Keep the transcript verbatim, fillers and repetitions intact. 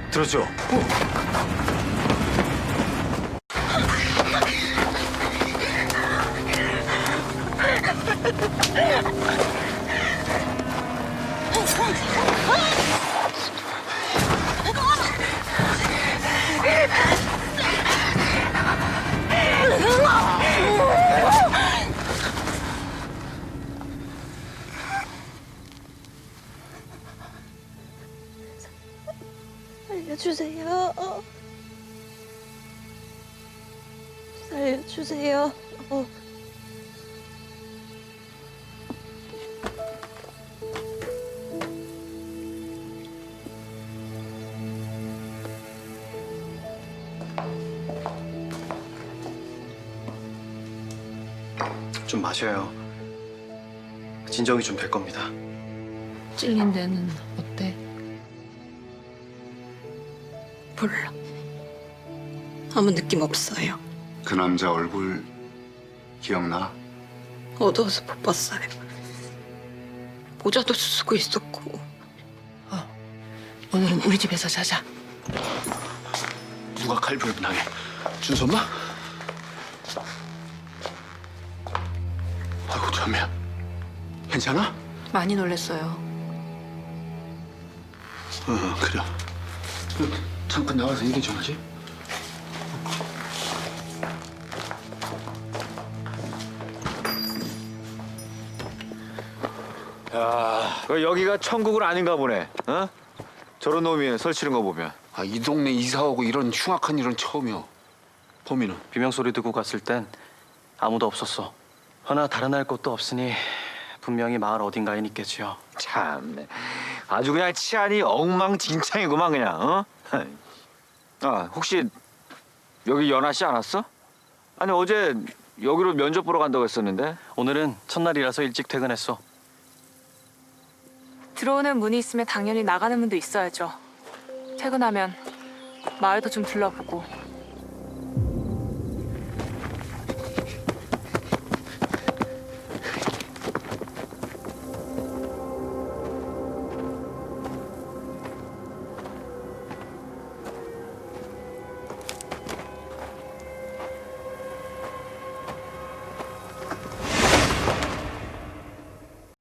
들어줘. 살려주세요. 살려주세요. 어. 좀 마셔요. 진정이 좀 될 겁니다. 찔린 데는 어때? 몰라. 아무 느낌 없어요. 그 남자 얼굴 기억나? 어두워서 못 봤어요. 모자도 쓰고 있었고. 오늘은 우리 집에서 자자. 누가 칼부를 분하게? 준수 엄마? 아이고 참이야. 괜찮아? 많이 놀랬어요. 어 그래. 그, 잠깐 나가서 얘기 좀 하지. 야, 그 여기가 천국은 아닌가 보네. 어? 저런 놈이 설치는 거 보면. 아, 이 동네 이사 오고 이런 흉악한 일은 처음이야. 범인은? 비명 소리 듣고 갔을 땐 아무도 없었어. 허나 다른 할 곳도 없으니 분명히 마을 어딘가엔 있겠지요. 참, 아주 그냥 치안이 엉망진창이구만 그냥. 어? 아, 혹시 여기 연하 씨 안 왔어? 아니 어제 여기로 면접 보러 간다고 했었는데. 오늘은 첫날이라서 일찍 퇴근했어. 들어오는 문이 있으면 당연히 나가는 문도 있어야죠. 퇴근하면 마을도 좀 둘러보고